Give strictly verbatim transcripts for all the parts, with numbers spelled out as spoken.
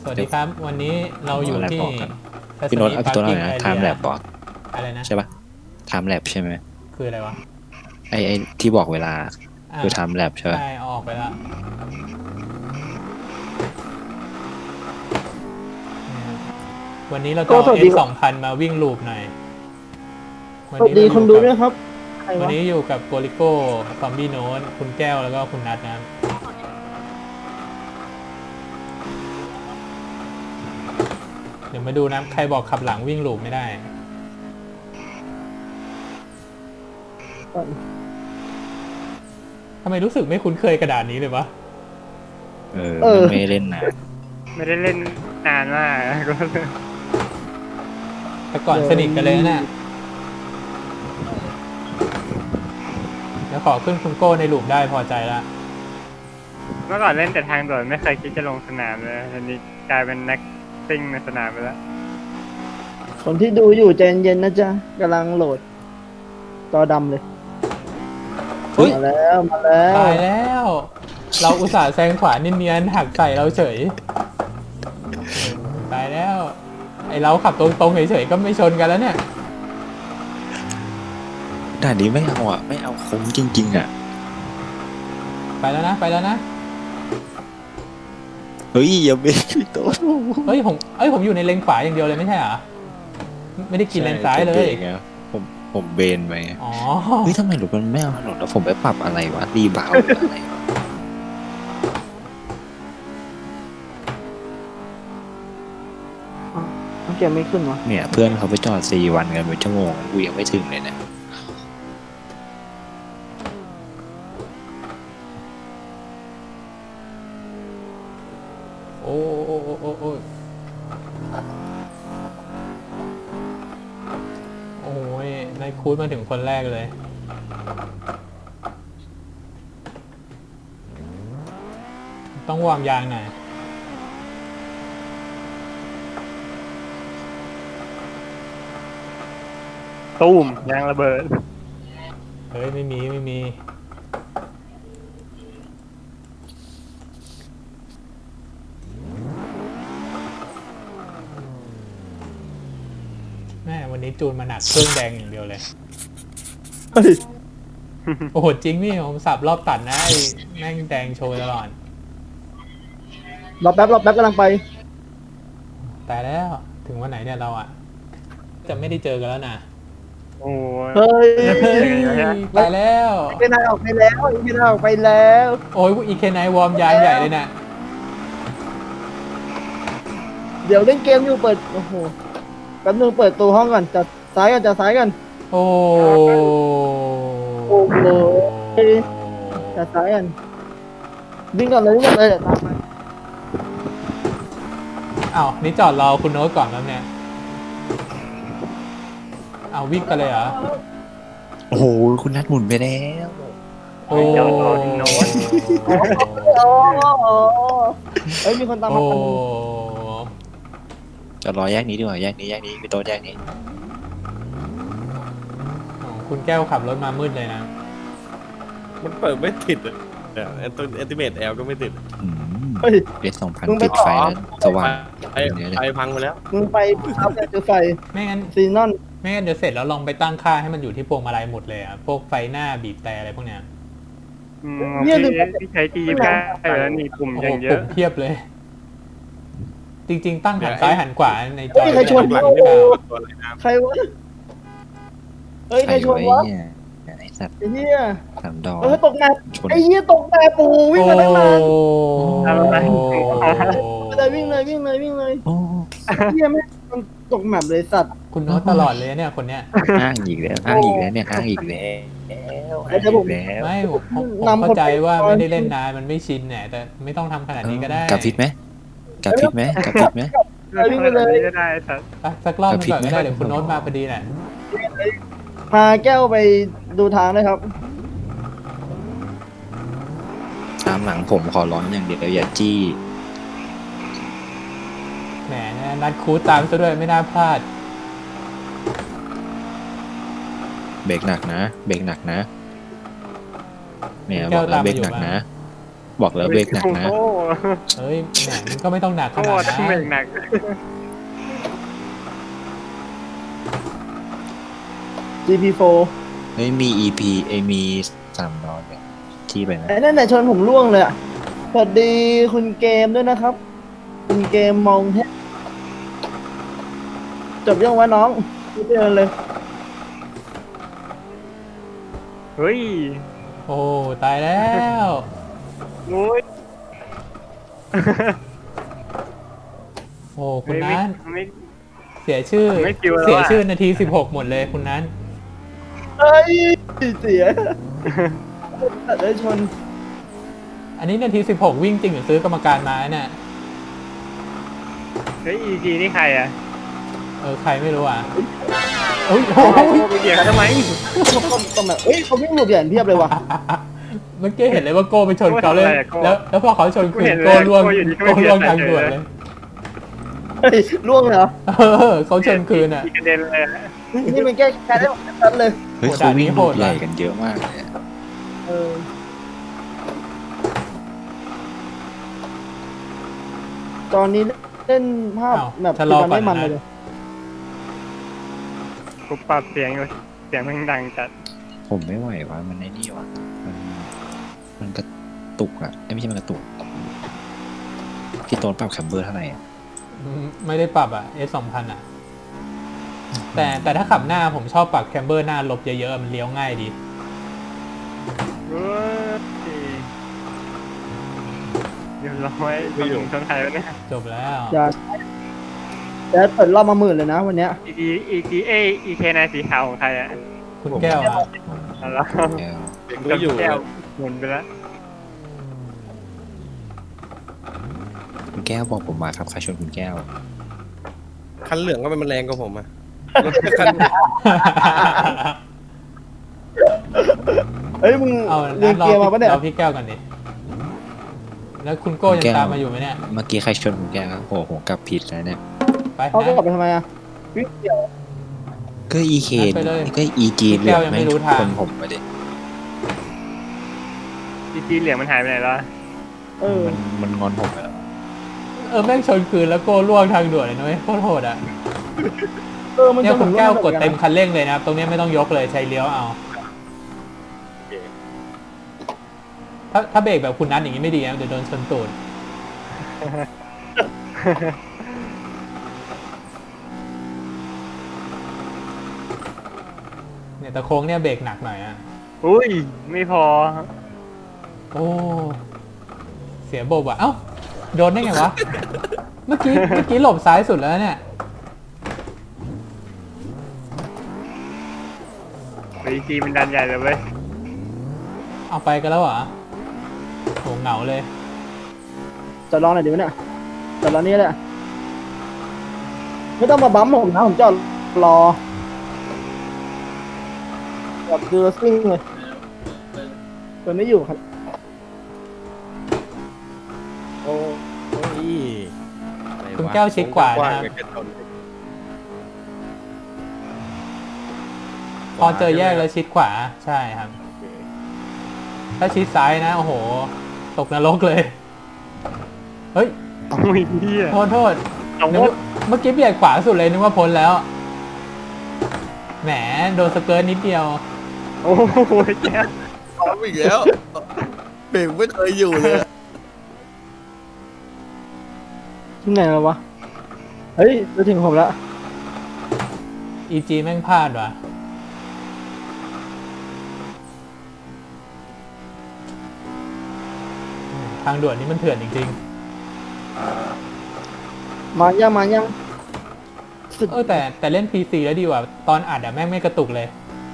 สวัสดีครับวันนี้เราอยู่ที่พี่โน้ตเอาพี่โน้ตอะไรนะ time lap บอกอะไรนะใช่ปะ time lap ใช่ไหมคืออะไรวะไอไอที่บอกเวลาคือ time lap ใช่ปะใช่ออกไปแล้ววันนี้เราจะเอา เอส สองพันมาวิ่งลูปหน่อยสวัสดีคนดูด้วยครับวันนี้อยู่กับโกลิโก้ซอมบี้โน้ตคุณแก้วแล้วก็คุณนัทนะเดี๋ยวมาดูนะใครบอกขับหลังวิ่งลูปไม่ได้ทำไมรู้สึกไม่คุ้นเคยกระดาษนี้เลยวะเออไม่เล่นนานไม่ได้เล่นนานมากก็แต่ก่อนสนิทกันเลยนะแล้วขอขึ้นคุณโก้ในลูปได้พอใจละเมื่อก่อนเล่นแต่ทางด่วนไม่เคยคิดจะลงสนามเลยทีนี้กลายเป็นนักซิ่งในสนามไปแล้วคนที่ดูอยู่ใจเย็นนะจ๊ะกำลังโหลดจอดำเลยมาแล้วมาแล้วตายแล้ว เราอุตส่าห์แซงขวาเนียนๆหักใส่เราเฉยตายแล้วไอเราขับตรงๆเฉยๆก็ไม่ชนกันแล้วเนี่ยด่านนี้ไม่เอาอ่ะไม่เอาคุ้มจริงๆอ่ะไปแล้วนะไปแล้วนะเฮ้ยอย่าเบรกพี่โต๊ะเฮ้ยผมเอ้ยผมอยู่ในเลนขวาอย่างเดียวเลยไม่ใช่เหรอไม่ได้กินเลนซ้ายเลยผมผมเบนไปอ๋อเฮ้ยทำไมรถมันไม่เอาถนนแล้วผมไปปรับอะไรวะรีบาวอะไรเกมไม่ขึ้นวะเนี่ยเพื่อนเขาไปจอดสี่วันกันเป็นชั่วโมงกูยังไม่ถึงเลยเนี่ยโอ้โอ้โอ้โอ้โอ้โอ้ยนายคูดมาถึงคนแรกเลยต้องวางยางหน่อยตูมยางระเบิดเฮ้ยไม่มีไม่มีแม่วันนี้จูนมาหนักเครื่องแดงอย่างเดียวเลยโอ้โหจริงนี่ผมสับรอบตัดนะไอ้แม่งแดงโชว์ตลอดรอแป๊บรอแป๊บกำลังไปแต่แล้วถึงวันไหนเนี่ยเราอ่ะจะไม่ได้เจอกันแล้วนะโอ้เฮ้ยไปแล้วอีเคนายออกไปแล้วอีเคนายออกไปแล้วโอ้ยอีเคนายวอร์มยางใหญ่เลยนะเดี๋ยวเล่นเกมอยู่เปิดโอ้โหแป๊บนึงเปิดตัวห้องก่อนจัดซ้ายกันจัดซ้ายกันโอ้โอ้โหจัดซ้ายกันวิ่งก่อนเลยวิ่งก่อนเลยตามไปอ้าวนี่จอดรอคุณโน้ตก่อนแล้วเนี่ยเอาวิ่งกันเลยเหรอโอ้โหคุณนัดหมุนไปแล้วโอ้จอดรอที่โน้ตเฮ้ยมีคนตามมาคนนึงจะรอแยกนี้ดีกว่าแยกนี้แยกนี้พี่โต๊ะแยกนี้คุณแก้วขับรถมามืดเลยนะมันเปิดไม่ติดเลยเนี่ยแอนตัวแอนติเมตแอลก็ไม่ติดเฮ้ยเอสสองพันติดไฟแล้วสว่างไฟไฟพังไปแล้วมึงไปทับแต่จุดไฟไม่งั้นซีนอนไม่งั้นเดี๋ยวเสร็จแล้วลองไปตั้งค่าให้มันอยู่ที่พวงมาลัยหมดเลยอ่ะพวกไฟหน้าบีบแต่อะไรพวกเนี้ยเนี่ยที่ใช้ทีมได้แล้วนี่ปุ่มอย่างเยอะเทียบเลยจริงๆตั้งหันซ้ายหันขวาในจอใครชวนหลังไม่ได้ใครวะเฮ้ยใครชวนวะไอ้สัตว์ไอ้เหี้ยสามดอกเออตกแมปไอ้เหี้ยตกแมปปูวิ่งมาตั้งนานเลยวิ่งเลยวิ่งเลยวิ่งเลยเหี้ยไม่มันตกแมปเลยสัตว์คุณโน้ตตลอดเลยเนี่ยคนเนี้ยอ้างอีกแล้วอ้างอีกแล้วเนี่ยอ้างอีกแล้วอ้างอีกแล้วไม่ผมเข้าใจว่าไม่ได้เล่นนานมันไม่ชินเนี่ยแต่ไม่ต้องทำขนาดนี้ก็ได้กับพิษไหมกับพิษไหมกับพิษไหมวิ่งไปเลยก็ได้สักสักรอบนึงก่อนก็ได้เดี๋ยวคุณโน้ตมาพอดีแหละพาแก้วไปดูทางด้วยครับตามหลังผมขอร้อนอย่างเดียวอย่าจี้แหมนัดคูดตามซะด้วยไม่น่าพลาดเบรกหนักนะเบรกหนักนะเนี่ยบอกแล้วเบรกหนักนะบอกแล้วเบรกหนักนะโอ้โหเอ้ยแหมมันก็ไม่ต้องหนักขโอ้โหนาดต้นั้องเบรกนหนักจี พี โฟร์เฮ้ยมี อี พี เอยมีสามร้อยเนี่ยที่ไปนะไอ้นั่นไหนะชนผมล่วงเลยอ่ะสวัสดีคุณเกมด้วยนะครับ คุณเกมมองแทบจบยังวะน้องไม่เจอเลยเฮ้ยโอ้ตายแล้วโอ้ยโอ้คุณนั้นไม่เสียชื่อไม่คิวแล้วอะเสียชื่อนาทีสิบหกหมดเลยคุณนั้นเอ้ยเสียแต่ได้ชนอันนี้นาทีสิบหกวิ่งจริงหรือซื้อกรรมการมาเนี่ยเฮ้ย อี จี นี่ใครอ่ะเออใครไม่รู้อ่ะเอ้ยโอ้โอ้โหยไปเกี่ยวเขาทำไมต้องแบบเอ้ยเขาวิ่งหลบอย่างเพียบเลยว่ะเมื่อกี้เห็นเลยว่าโก้ไปชนเขาเลยโก้ทำอะไรอะโก้แล้วแล้วพอเขาชนกูคืเห็นนเลยโก้ล่วงโก้อยู่ดีก็ไม่โก้ล่วงเสียทางด่วนใจเลยเลยเฮ้ยล่วงเลยเหรอเออเขาชนคืนอ่ะอีกระเด็นเลยอะนี่มันแก้แค้นได้หมดชัดเลยเฮ้ยโหเขาวิ่งด่านนี้โหลูดกใหญ่ว่ะกันเยอะมากเลยอะเออตอนนี้เล่นภาพอ้าวแบบชะลอมันไม่มันก่อนนะเลยกูปรับเสียงอยู่เสียงมันดังจัดผมไม่ไหวว่ามันไอ้นี่วะมันมันกระตุกอ่ะเอ้ยไม่ใช่มันกระตุกพี่โต้นปรับแคมเบอร์เท่าไหร่อ่ะอืมไม่ได้ปรับอ่ะ S สองพันอ่ะ แต่แต่ถ้าขับหน้าผมชอบปรับแคมเบอร์หน้าลบเยอะๆ มันเลี้ยวง่ายดีเฮ้ยเดี๋ยวร้อยตำรวจชนไทยวะเนี่ยจบแล้วจะจะเปิดรอบมาหมื่นเลยนะวันเนี้ยอีจีอีจีเออีเคนายสีขาวของใครอ่ะคุณแก้วอ่ะเอาละแล้วดูอยู่แก้วหมุนไปแล้วคุณแก้วบอกผมมาครับใครชวนคุณแก้วคันเหลืองก็มันแรงกว่าผมอะรถคันเฮ้ยมึงเอาเรียนรอเกียร์มาปะเนี่ยรอพี่แก้วกันดิ แล้วคุณโก้ยังตามมาอยู่ไหมเนี่ยเมื่อกี้ใครชวนคุณแก้วครับโอ้โหผมกลับผิดแล้วเนี่ยไปเขาก็นะกลับไปทำไมอ่ะวิ่งเกี่ยวก็อีเคนไปเลยก็อีจีพี่แก้วยังไม่รู้ทางคนผมไปดิอีจีเหลืองมันหายไปไหนแล้วเออมันมันงอนผมไปแล้วเออแม่งชนคืนแล้วโก้ล่วงทางด่วนเลยนะเว้ยโคตรโหดอ่ะเออมันเนี่ยจะคุณแก้วกดหมือนเต็มคันเร่งเลยนะครับ ตรงเนี้ยไม่ต้องยกเลยใช้เลี้ยวเอา ถ้าถ้าเบรกแบบคุณนัทอย่างนี้ไม่ดีนะเดี๋ยวโดนชนตูด เนี่ยแต่โค้งเนี่ยเบรกหนักหน่อยอ่ะอุ้ย ไม่พอโอ้ เสียโบบอ่ะ เอ้า โดนได้ไงวะ เมื่อกี้เมื่อกี้หลบซ้ายสุดแล้วเนี่ยอีจีมันดันใหญ่เลยเว้ยเอาไปกันแล้วเหรอโหเหงาเลยจะรอหน่อยเดี๋ยวเนี่ยจะรอนี่แหละไม่ต้องมาบั๊มผมนะผมจะรอแบบดูซิ่งเลยเปิดไม่อยู่ครับโอ้ยอะไระคุณแก้วชิดกว่านะครับกว้งๆกระจนพอเจอแยกแล้วชิดขวา ใช่ครับ ถ้าชิดซ้ายนะ โอ้โห ตกนรกเลย เฮ้ยโอ้ยเฮียโทษโทษเอานึกว่าว่าเมื่อกี้เบียดขวาสุดเลยนึกว่าพ้นแล้ว แหม โดนสเกิร์ตนิดเดียวโอ้โหแก้วพร้อมอีกแล้วเบรกไม่เคยอยู่เลยอะที่ไหนแล้ววะเฮ้ยจะถึงผมแล้วอี จี แม่งพลาดว่ะ ทางด่วนนี้มันเถื่อนจริงมายังมายังสุดๆ เออแต่แต่เล่น พี ซี แล้วดีกว่า ตอนอัดอะแม่งไม่กระตุกเลย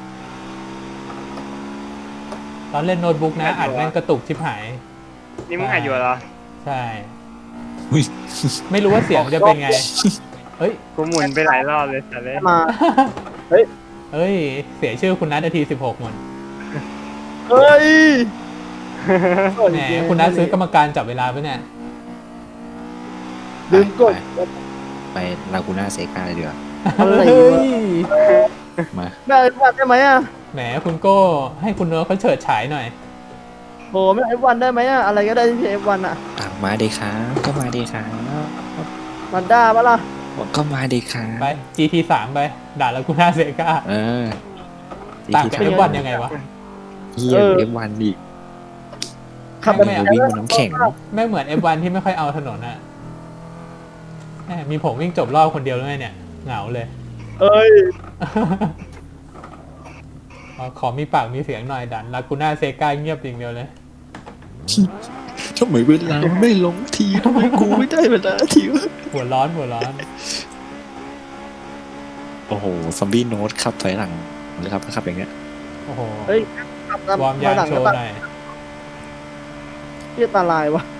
ตอนเล่นโน้ตบุ๊กนะ อัดแม่งกระตุกชิบหายนี่มึงหายอยู่เหรอใช่อุ้ยไม่รู้ว่าเสียงจะเป็นไง เฮ้ยกูหมุนไปหลายรอบเลยแต่เลยมาเฮ้ย เสียชื่อคุณนัทนาทีสิบหกหมดเฮ้ยแหมคุณนัทซื้อกรรมการจับเวลาไปะเนี่ยลืมกดไปลากูน่าเซกาเลยดีกว่าอะไรเฮ้วะยมาได้มาได้ไหมอ่ะแหมคุณโก้ให้คุณเนื้อเขาเฉิดฉายหน่อยโหไม่เอฟวันได้ไหมอะอะไรก็ได้ที่เอฟวันอะอ่ะมาเดครับก็มาเดครับมันด้าปะล่ะก็มาเดครับไป จี ที สาม ไปด่าลากูน่าเซกาเออต่างกับ เอฟ วัน ยังไงวะเฮียเอฟวันอีกขับแบบไม่วิ่งบนน้ำแข็งไม่เหมือน เอฟ วัน ที่ไม่ค่อยเอาถนนอะแหมมีผมวิ่งจบรอบคนเดียวด้วยเนี่ยเหงาเลยเอ้ยอ๋อขอมีปากมีเสียงหน่อยดันลากูน่าเซกาเงียบอย่างเดียวเลยทำไมเวลาไม่ลงทีทำไมกูไม่ได้เวลาทีวะหัวร้อนหัวร้อนโอ้โหซอมบี้โน้ตขับถอยหลังเลยครับขับอย่างเงี้ยโอ้โหเฮ้ยขับตามวอร์มยางหลังโชก็ว์ตัดหน่อยเรียตาลายวะ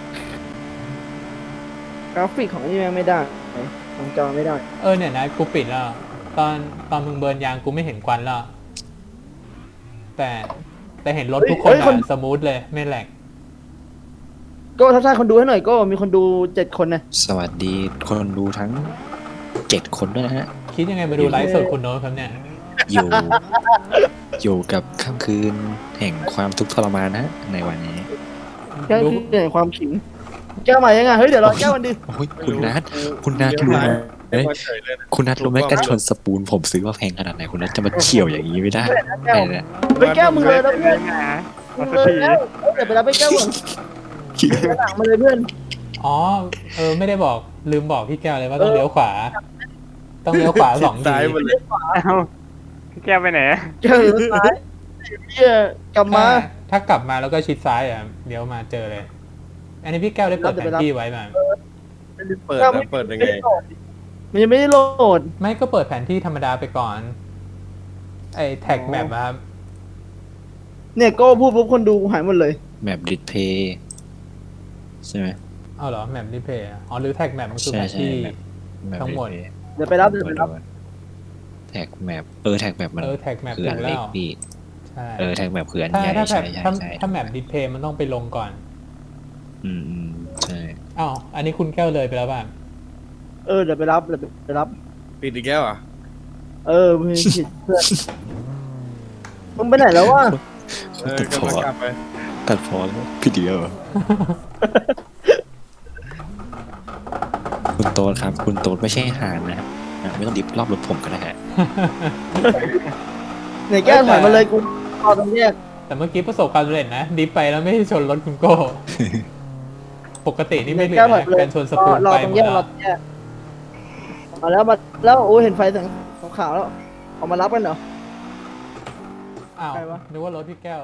กราฟิกของนี่แม่งไม่ได้ของจอไม่ได้เออเนี่ยนะกูปิดแล้ว ตอนตอนมึงเบิร์นยางกูไม่เห็นควันแล้ว แต่แต่เห็นรถทุกคนอะสมูทเลยไม่แหลกโก้ทักทายคนดูให้หน่อยโก้มีคนดูเจ็ดคนนะสวัสดีคนดูทั้งเจ็ดคนด้วยนะฮะคิดยังไงมาดูไลฟ์สดคุณโน้ตครับเนี่ยอยู่ อยู่กับค่ำคืนแห่งความทุกข์ทรมานนะฮะในวันนี้แค่คือเปลี่ยนความขิงแก้วใหม่ยังไงเฮ้ยเดี๋ยวรอแก้วมันดิโอ้ยคุณนัทคุณนัทรู้ไหมเอ้ยเฉยเลยนะคุณนัทรู้ไหมกันชนสปูนผมซื้อว่าแพงขนาดไหนคุณนัทจะมาเฉี่ยวอย่างนี้ไม่ได้แก้วไอ้เนี่ยเฮ้ยแก้วมึงเลยนะเพื่อนหามึเอางสักเลยทีแล้วเฮ้ยเดี๋ยวไปรับไปแก้วก่อนหลังมาเลยเพื่อนอ๋อเออไม่ได้บอกลืมบอกพี่แก้วเลยว่าต้องเลี้ยวขวา ต้องเลี้ยวขวาสองทีซ้ายหมดเลยเอ้าพี่แก้วไปไหนอะแก้วอยู่ซ้ายเฮียกลับมาถ้าถ้ากลับมาแล้วก็ชิดซ้ายอ่ะเดี๋ยวมาเจอเลย อันนี้พี่แก้วได้เปิดแผนที่ไว้มาไม่ได้เปิดแก้วนะเปิดยังไงมันยังไม่ได้โหลดไม่ก็เปิดแผนที่ธรรมดาไปก่อน ไอ้แท็กแมปครับเนี่ยโก้พูดปุ๊บคนดูหายหมดเลยแมปดิสเพย์ใช่ไหมเอาเหรอแมปรีเพย์อ๋อหรือแท็กแมปมันคือใช่แผนใช่ที่แมปทั้งหมด display เดี๋ยวไปรับเดี๋ยวไปรับแท็กแมปเออแท็กแมปมันเออแท็กแมปคือถูอันกเล็แล้กวพี่ใช่เออแท็กแมปคืออันถ้าใหญ่ถ้าแบใช่บใช่ถ้าใช่ถ้าแมปดิสเพย์มันต้องไปลงก่อนอืมอืมใช่อ้าวอันนี้คุณแก้วเลยไปแล้วป่ะเออเดี๋ยวไปรับเดี๋ยวไปรับปิดอีกแล้วอ่ะเออมึงผิดเพื่อนมึงไปไหนแล้ววะเออตัดพกำอลังกลับไปตัดพอแล้วพี่เดียวเหรอ คุณโต๊ดครับ คุณโต๊ดไม่ใช่ห่านนะครับอ่ะไม่ต้องดิบรอบรถผมก็ได้ฮะเนี่ยแก้วถอยมาเลยกูรอตรงแยกแต่เมื่อกี้ประสบความสำเร็จนะดิฟไปแล้วไม่ได้ชนรถคุณโก้ ปกตินี่ไม่เหลือแก้วถอยนะไปเลยการชนสปูนรอไปตรหงมแยดกรแล้อวตรงแยกมาแล้วมาแล้วโอ้ยเห็นไฟแสงขาวๆแล้วออกมารับกันเหรออ้าวใครวะนึกว่ารถพี่แก้ว